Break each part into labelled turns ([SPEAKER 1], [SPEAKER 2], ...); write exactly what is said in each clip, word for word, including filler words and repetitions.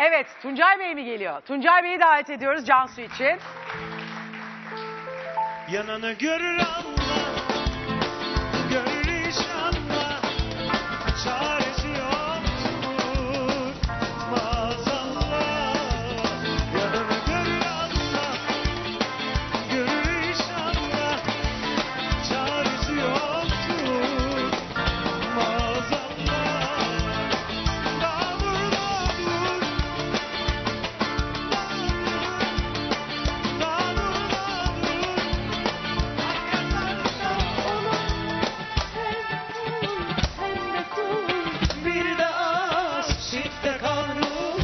[SPEAKER 1] Evet, Tuncay Bey mi geliyor? Tuncay Bey'i davet ediyoruz Cansu için.
[SPEAKER 2] Yananı görür Allah, görür inşallah, çaresi yoktur maazallah. Yananı görür Allah, görür inşallah, çaresi yoktur maazallah. Nabur nabur, nabur nabur. Bir de aşk çifte kavrulur.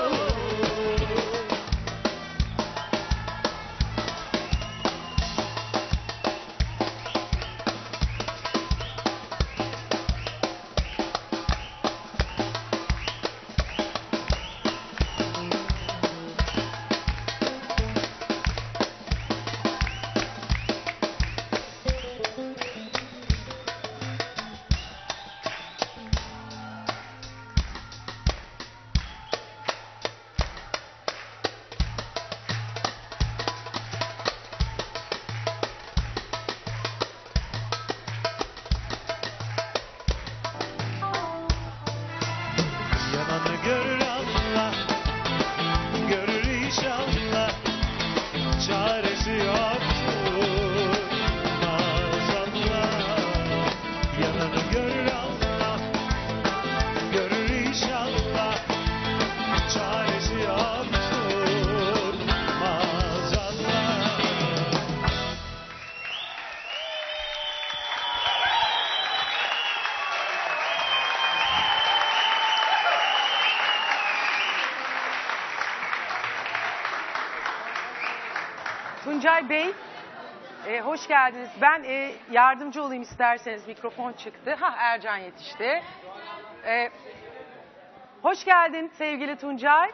[SPEAKER 2] Yananı görür Allah, görür inşallah, çaresi yoktur maazallah. Yananı görür Allah, görür inşallah, çaresi yoktur maazallah.
[SPEAKER 1] Tuncay Bey, e, hoş geldiniz. Ben e, yardımcı olayım isterseniz. Mikrofon çıktı. Ha, Ercan yetişti. E, hoş geldin sevgili Tuncay.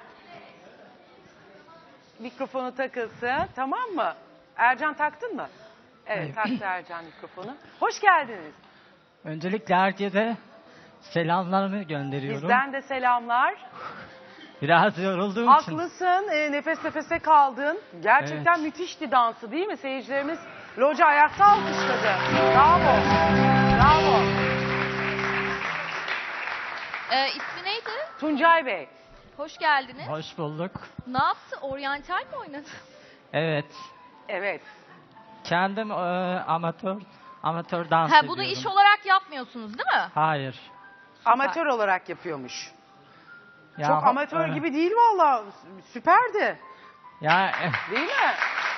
[SPEAKER 1] Mikrofonu takılsın, tamam mı? Ercan taktın mı? Evet, taktı Ercan mikrofonu. Hoş geldiniz.
[SPEAKER 3] Öncelikle herkese selamlarımı gönderiyorum.
[SPEAKER 1] Bizden de selamlar.
[SPEAKER 3] Biraz yorulduğum için.
[SPEAKER 1] Haklısın, e, nefes nefese kaldın. Gerçekten
[SPEAKER 3] Evet.
[SPEAKER 1] müthişti dansı değil mi? Seyircilerimiz loca ayakta alkışladı. Bravo, bravo.
[SPEAKER 4] Ee, ismi neydi?
[SPEAKER 1] Tuncay Bey,
[SPEAKER 4] Hoş geldiniz.
[SPEAKER 3] Hoş bulduk.
[SPEAKER 4] Ne yaptı? Oryantal mi oynadı?
[SPEAKER 3] Evet.
[SPEAKER 1] evet.
[SPEAKER 3] Kendim e, amatör amatör dans
[SPEAKER 4] Ha,
[SPEAKER 3] ediyorum.
[SPEAKER 4] bunu iş olarak yapmıyorsunuz değil mi?
[SPEAKER 3] Hayır.
[SPEAKER 1] Amatör olarak yapıyormuş.
[SPEAKER 3] Ya,
[SPEAKER 1] Çok amatör
[SPEAKER 3] e,
[SPEAKER 1] gibi değil valla. Süperdi.
[SPEAKER 3] Ya e,
[SPEAKER 1] Değil mi?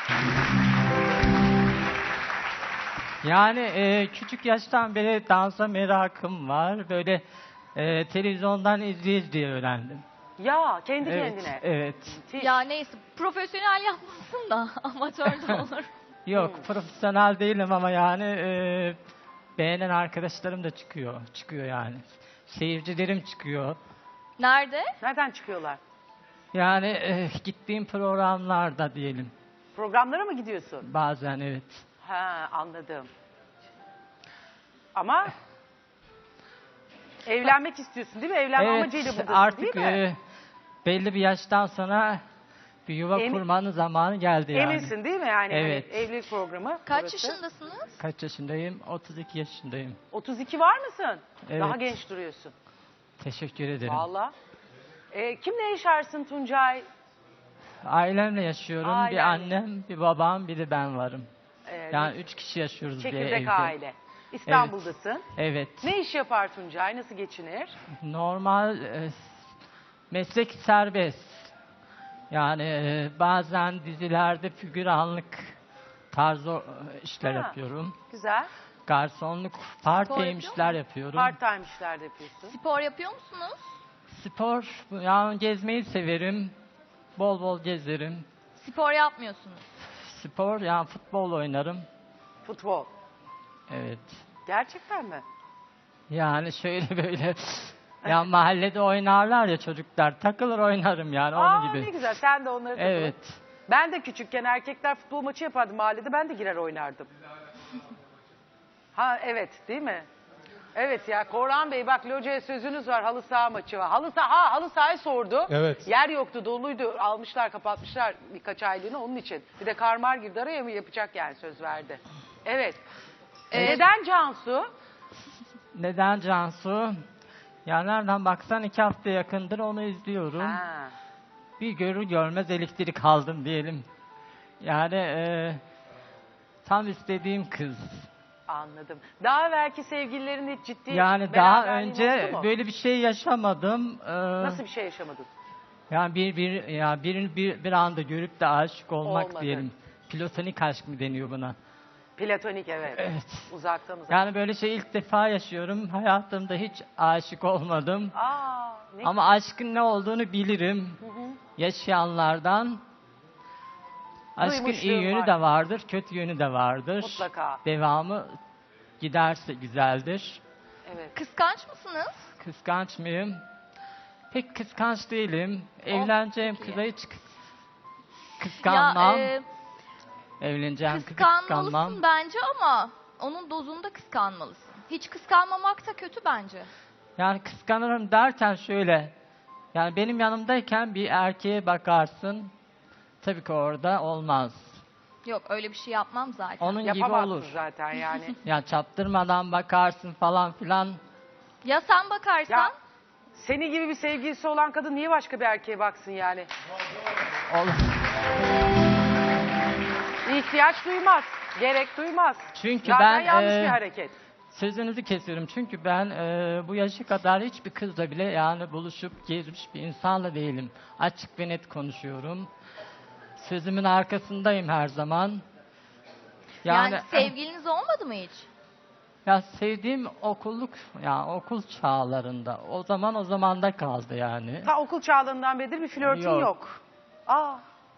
[SPEAKER 3] yani e, küçük yaştan beri dansa merakım var. Böyle e, televizyondan izleye izleye öğrendim.
[SPEAKER 1] Ya kendi
[SPEAKER 3] Evet.
[SPEAKER 1] kendine.
[SPEAKER 3] Evet.
[SPEAKER 1] Müthiş.
[SPEAKER 4] Ya neyse, profesyonel yapmasın da amatör de olur.
[SPEAKER 3] Yok,
[SPEAKER 1] Hmm.
[SPEAKER 3] profesyonel değilim ama yani e, beğenen arkadaşlarım da çıkıyor. Çıkıyor yani. Seyircilerim çıkıyor.
[SPEAKER 4] Nerede?
[SPEAKER 1] Nereden çıkıyorlar?
[SPEAKER 3] Yani e, gittiğim programlarda diyelim.
[SPEAKER 1] Programlara mı gidiyorsun?
[SPEAKER 3] Bazen evet.
[SPEAKER 1] Ha, anladım. Ama evlenmek istiyorsun değil mi? Evlenme amacıyla buradasın
[SPEAKER 3] artık
[SPEAKER 1] değil mi?
[SPEAKER 3] e, belli bir yaştan sonra bir yuva
[SPEAKER 1] Emin-
[SPEAKER 3] kurmanın zamanı geldi yani.
[SPEAKER 1] Eminsin değil mi yani?
[SPEAKER 3] Evet.
[SPEAKER 1] Hani evlilik programı.
[SPEAKER 4] Kaç
[SPEAKER 1] burası.
[SPEAKER 4] yaşındasınız?
[SPEAKER 3] Kaç yaşındayım? otuz iki yaşındayım.
[SPEAKER 1] otuz iki var mısın?
[SPEAKER 3] Evet.
[SPEAKER 1] Daha genç duruyorsun.
[SPEAKER 3] Teşekkür ederim.
[SPEAKER 1] Valla. Ee, kimle yaşarsın Tuncay?
[SPEAKER 3] Ailemle yaşıyorum. Bir
[SPEAKER 1] Ailenle.
[SPEAKER 3] annem, bir babam, bir de ben varım.
[SPEAKER 1] Ee,
[SPEAKER 3] Yani üç kişi yaşıyoruz bir
[SPEAKER 1] çekirdek
[SPEAKER 3] evde.
[SPEAKER 1] aile. İstanbul'dasın.
[SPEAKER 3] Evet.
[SPEAKER 1] Ne iş yapar Tuncay? Nasıl geçinir?
[SPEAKER 3] Normal e, meslek serbest. Yani e, bazen dizilerde figüranlık tarzı e, işler
[SPEAKER 1] Ha.
[SPEAKER 3] yapıyorum.
[SPEAKER 1] Güzel.
[SPEAKER 3] Garsonluk, part time
[SPEAKER 4] yapıyor
[SPEAKER 3] işler
[SPEAKER 4] mu?
[SPEAKER 3] yapıyorum.
[SPEAKER 1] Part time işler de yapıyorsun.
[SPEAKER 4] Spor yapıyor musunuz?
[SPEAKER 3] Spor, yani gezmeyi severim. Bol bol gezerim.
[SPEAKER 4] Spor yapmıyorsunuz.
[SPEAKER 3] Spor, yani futbol oynarım.
[SPEAKER 1] Futbol.
[SPEAKER 3] Evet.
[SPEAKER 1] Gerçekten mi?
[SPEAKER 3] Yani şöyle böyle, ya mahallede oynarlar ya çocuklar, takılır oynarım yani onun
[SPEAKER 1] Aa,
[SPEAKER 3] gibi.
[SPEAKER 1] ne güzel. Sen de onları takılın.
[SPEAKER 3] Evet.
[SPEAKER 1] Ben de küçükken erkekler futbol maçı yapardı mahallede. Ben de girer oynardım. Ha evet değil mi? Evet ya Korhan Bey bak locaya sözünüz var, halı saha maçı var. Halı saha, ha, halı sahayı sordu.
[SPEAKER 2] Evet.
[SPEAKER 1] Yer yoktu, doluydu. Almışlar, kapatmışlar birkaç aylığını onun için. Bir de karmar girdi araya mı yapacak yani, söz verdi. Evet. Ee, neden Cansu?
[SPEAKER 3] Neden Cansu? Ya nereden baksan iki hafta yakındır onu izliyorum.
[SPEAKER 1] Ha.
[SPEAKER 3] Bir görür görmez elektrik aldım diyelim. Yani e, tam istediğim kız.
[SPEAKER 1] Anladım. Daha evvelki sevgililerin hiç ciddi
[SPEAKER 3] Yani daha
[SPEAKER 1] beraberliğin
[SPEAKER 3] önce
[SPEAKER 1] oldu mu?
[SPEAKER 3] böyle bir şey yaşamadım. Ee,
[SPEAKER 1] Nasıl bir şey yaşamadın?
[SPEAKER 3] Yani bir bir ya birini bir, bir anda görüp de aşık olmak
[SPEAKER 1] Olmadı.
[SPEAKER 3] diyelim. Platonik aşk mı deniyor buna?
[SPEAKER 1] Platonik evet.
[SPEAKER 3] Evet.
[SPEAKER 1] Uzaktan uzaktan.
[SPEAKER 3] Yani böyle şey ilk defa yaşıyorum. Hayatımda hiç aşık olmadım.
[SPEAKER 1] Aa, ne
[SPEAKER 3] Ama aşkın ne olduğunu bilirim. Yaşayanlardan. Aşkın iyi
[SPEAKER 1] Duymuşluğum
[SPEAKER 3] yönü
[SPEAKER 1] var.
[SPEAKER 3] de vardır, kötü yönü de vardır.
[SPEAKER 1] Mutlaka.
[SPEAKER 3] Devamı giderse güzeldir.
[SPEAKER 1] Evet.
[SPEAKER 4] Kıskanç mısınız?
[SPEAKER 3] Kıskanç mıyım? Pek kıskanç değilim. Evleneceğim
[SPEAKER 4] çok iyi.
[SPEAKER 3] kıza hiç kıs- kıskanmam.
[SPEAKER 4] Ya e,
[SPEAKER 3] Evleneceğim kızı kıskanmam.
[SPEAKER 4] kıskanmalısın bence ama onun dozunda kıskanmalısın. Hiç kıskanmamak da kötü bence.
[SPEAKER 3] Yani kıskanırım derken şöyle. Yani benim yanımdayken bir erkeğe bakarsın. Tabii ki orada olmaz.
[SPEAKER 4] Yok öyle bir şey yapmam zaten.
[SPEAKER 3] Onun gibi
[SPEAKER 1] Yapamazsın
[SPEAKER 3] olur.
[SPEAKER 1] zaten yani.
[SPEAKER 3] Yani çaptırmadan bakarsın falan filan.
[SPEAKER 4] Ya sen bakarsan?
[SPEAKER 1] Ya seni gibi bir sevgilisi olan kadın niye başka bir erkeğe baksın yani?
[SPEAKER 3] Olur.
[SPEAKER 1] İhtiyaç duymaz, gerek duymaz.
[SPEAKER 3] Çünkü
[SPEAKER 1] Zaten
[SPEAKER 3] ben,
[SPEAKER 1] yanlış
[SPEAKER 3] e,
[SPEAKER 1] bir hareket.
[SPEAKER 3] Sözünüzü kesiyorum çünkü ben e, bu yaşa kadar hiçbir kızla bile yani buluşup gezmiş bir insanla değilim. Açık ve net konuşuyorum. Sözümün arkasındayım her zaman.
[SPEAKER 4] Yani,
[SPEAKER 3] Yani,
[SPEAKER 4] sevgiliniz olmadı mı hiç?
[SPEAKER 3] ya sevdiğim okulluk ya okul çağlarında o zaman o zamanda kaldı yani.
[SPEAKER 1] Ta okul çağlarından beridir bir flörtün yok.
[SPEAKER 3] Yok.
[SPEAKER 1] Aa.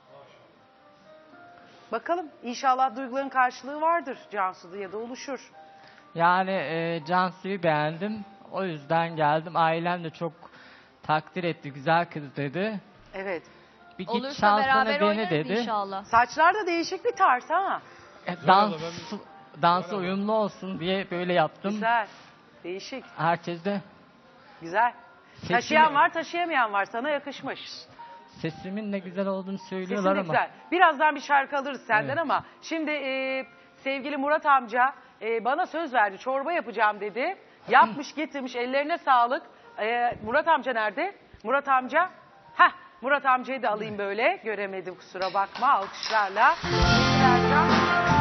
[SPEAKER 1] Bakalım inşallah duyguların karşılığı vardır Cansu'da ya da oluşur.
[SPEAKER 3] Yani e, Cansu'yu beğendim. O yüzden geldim. Ailem de çok takdir etti. Güzel kız dedi.
[SPEAKER 1] Evet.
[SPEAKER 3] Bir git
[SPEAKER 4] Olursa
[SPEAKER 3] şansını
[SPEAKER 4] beraber
[SPEAKER 3] dene
[SPEAKER 4] oynarız
[SPEAKER 3] dedi.
[SPEAKER 4] inşallah.
[SPEAKER 1] Saçlar da değişik bir tarz ha.
[SPEAKER 3] E, dans, dansı uyumlu olsun diye böyle yaptım.
[SPEAKER 1] Güzel. Değişik.
[SPEAKER 3] Herkes de
[SPEAKER 1] Güzel.
[SPEAKER 3] Sesini-
[SPEAKER 1] Taşıyan var, taşıyamayan var. Sana yakışmış.
[SPEAKER 3] sesimin ne güzel olduğunu
[SPEAKER 1] Sesin
[SPEAKER 3] söylüyorlar
[SPEAKER 1] de
[SPEAKER 3] ama.
[SPEAKER 1] güzel. Birazdan bir şarkı alırız senden
[SPEAKER 3] Evet.
[SPEAKER 1] ama şimdi e, sevgili Murat amca e, bana söz verdi. Çorba yapacağım dedi. Yapmış getirmiş, ellerine sağlık. E, Murat amca nerede? Murat amca. Heh, Murat amcayı da alayım böyle. Göremedim kusura bakma, alkışlarla. Ercan.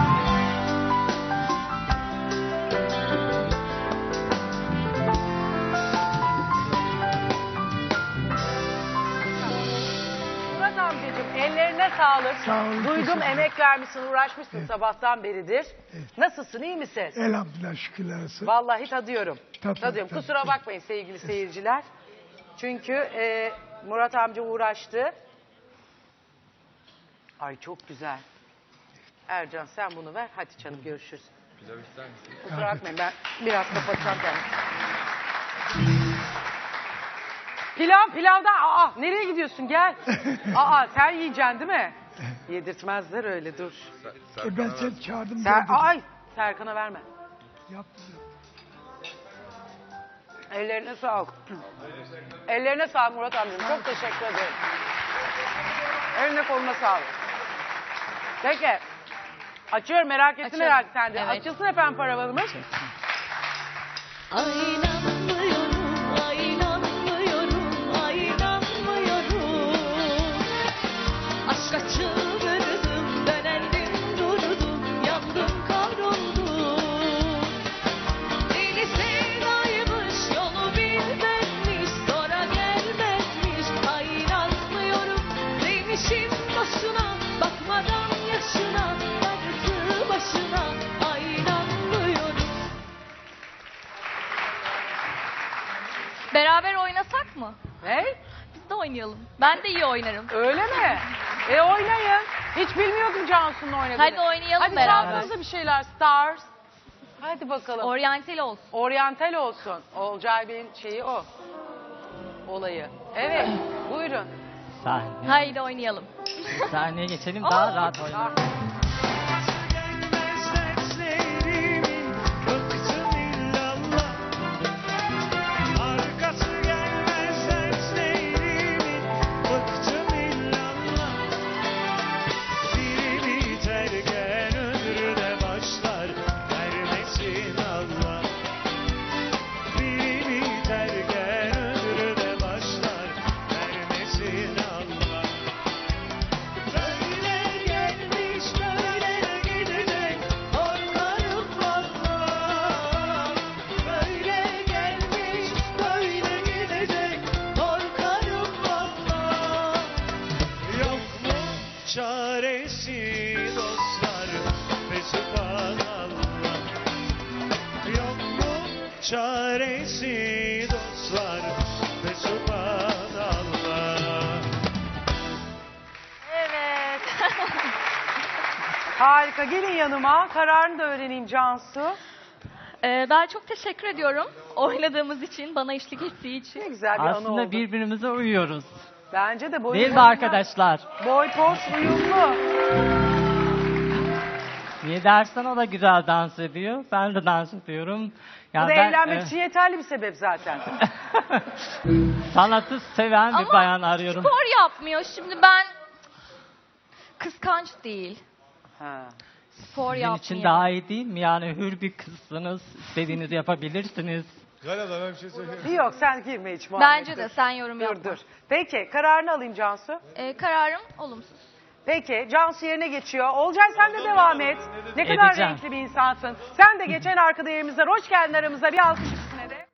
[SPEAKER 1] Murat amcacığım ellerine sağlık.
[SPEAKER 5] Sağ olun,
[SPEAKER 1] Duydum
[SPEAKER 5] teşekkür
[SPEAKER 1] emek vermişsin, uğraşmışsın sabahtan beridir. Nasılsın, iyi misin?
[SPEAKER 5] Elhamdülillah şükürler olsun.
[SPEAKER 1] Vallahi tadıyorum.
[SPEAKER 5] Tabii,
[SPEAKER 1] tadıyorum.
[SPEAKER 5] tabii,
[SPEAKER 1] Kusura
[SPEAKER 5] tabii.
[SPEAKER 1] bakmayın sevgili seyirciler. Çünkü e, Murat amca uğraştı. Ay çok güzel. Ercan sen bunu ver. Hadi canım görüşürüz. Pilav ister misin? Kusura bakmayın ben biraz kapatacağım kendimi. Pilav pilavdan. Aa nereye gidiyorsun gel. Aa sen yiyeceksin değil mi? Yedirtmezler öyle dur.
[SPEAKER 5] E ben seni çağırdım.
[SPEAKER 1] Ser
[SPEAKER 5] geldin.
[SPEAKER 1] Ay Serkan'a verme.
[SPEAKER 5] Yaptım.
[SPEAKER 1] Ellerine sağlık. Ellerine sağlık Murat amcam. Çok teşekkür ederim. Eline koluna sağlık. Peki. Açıyorum merak ettim
[SPEAKER 4] Açalım.
[SPEAKER 1] merak sen de.
[SPEAKER 4] Evet.
[SPEAKER 1] Açılsın efendim paravanımız.
[SPEAKER 6] Ay inanmıyorum, ay inanmıyorum, ay inanmıyorum. Aşka çıldırdım, dönendim durdum, yandım kavruldum. Deli sevdaymış, yolu bilmezmiş, sonra gelmezmiş. Ay inanmıyorum, demişim boşuna, bakmadan yaşına, darısı başına. Ay inanmıyorum.
[SPEAKER 4] Beraber oynasak mı?
[SPEAKER 1] Ne?
[SPEAKER 4] Biz de oynayalım. Ben de iyi oynarım.
[SPEAKER 1] Öyle mi? E oynayın. Hiç bilmiyordum Cansu'nun oynadığını.
[SPEAKER 4] Hadi oynayalım
[SPEAKER 1] Hadi
[SPEAKER 4] beraber.
[SPEAKER 1] çaldığınızda bir şeyler. Stars. Hadi bakalım.
[SPEAKER 4] Oryantal olsun.
[SPEAKER 1] Oryantal olsun. Olcay Bey'in şeyi o. Olayı. Evet. Buyurun.
[SPEAKER 3] Sahne.
[SPEAKER 4] Haydi oynayalım.
[SPEAKER 3] Sahneye geçelim daha
[SPEAKER 4] Aa,
[SPEAKER 3] rahat oynayalım.
[SPEAKER 2] Gelmez dertlerimin bıktım illallah. çaresi dostlar ve subhanallah.
[SPEAKER 1] Evet. Harika. Gelin yanıma. Kararını da öğreneyim Cansu.
[SPEAKER 4] Ee, ben çok teşekkür ediyorum oynadığımız için, bana eşlik ettiği için.
[SPEAKER 1] Ne güzel bir anı
[SPEAKER 3] Aslında
[SPEAKER 1] oldu.
[SPEAKER 3] birbirimize uyuyoruz.
[SPEAKER 1] Bence de boy
[SPEAKER 3] Değil mi arkadaşlar?
[SPEAKER 1] Boy poz uyumlu.
[SPEAKER 3] Niye dersen o da güzel dans ediyor. Ben de dans ediyorum.
[SPEAKER 1] Bu
[SPEAKER 3] Yani
[SPEAKER 1] da
[SPEAKER 3] ben,
[SPEAKER 1] evlenmek
[SPEAKER 3] e,
[SPEAKER 1] için yeterli bir sebep zaten.
[SPEAKER 3] sanatı seven bir
[SPEAKER 4] Ama
[SPEAKER 3] bayan arıyorum.
[SPEAKER 4] spor yapmıyor. Şimdi ben kıskanç değil.
[SPEAKER 1] Ha.
[SPEAKER 4] Spor
[SPEAKER 3] Sizin
[SPEAKER 4] yapmıyor.
[SPEAKER 3] için daha iyi değil mi? Yani hür bir kızsınız. İstediğinizi yapabilirsiniz.
[SPEAKER 7] Galada ben bir şey söyleyeyim.
[SPEAKER 1] Yok sen girme hiç muhabbete.
[SPEAKER 4] Bence de sen yorum
[SPEAKER 1] Dur
[SPEAKER 4] yapma.
[SPEAKER 1] dur. Peki kararını alayım Cansu.
[SPEAKER 4] Ee, kararım olumsuz.
[SPEAKER 1] Peki Cansu yerine geçiyor. Olcay sen de devam et. Ne kadar
[SPEAKER 3] Edeceğim.
[SPEAKER 1] renkli bir insansın. Sen de geçen arkada yerimizden. Hoş geldin aramıza. Bir alkış üstüne de.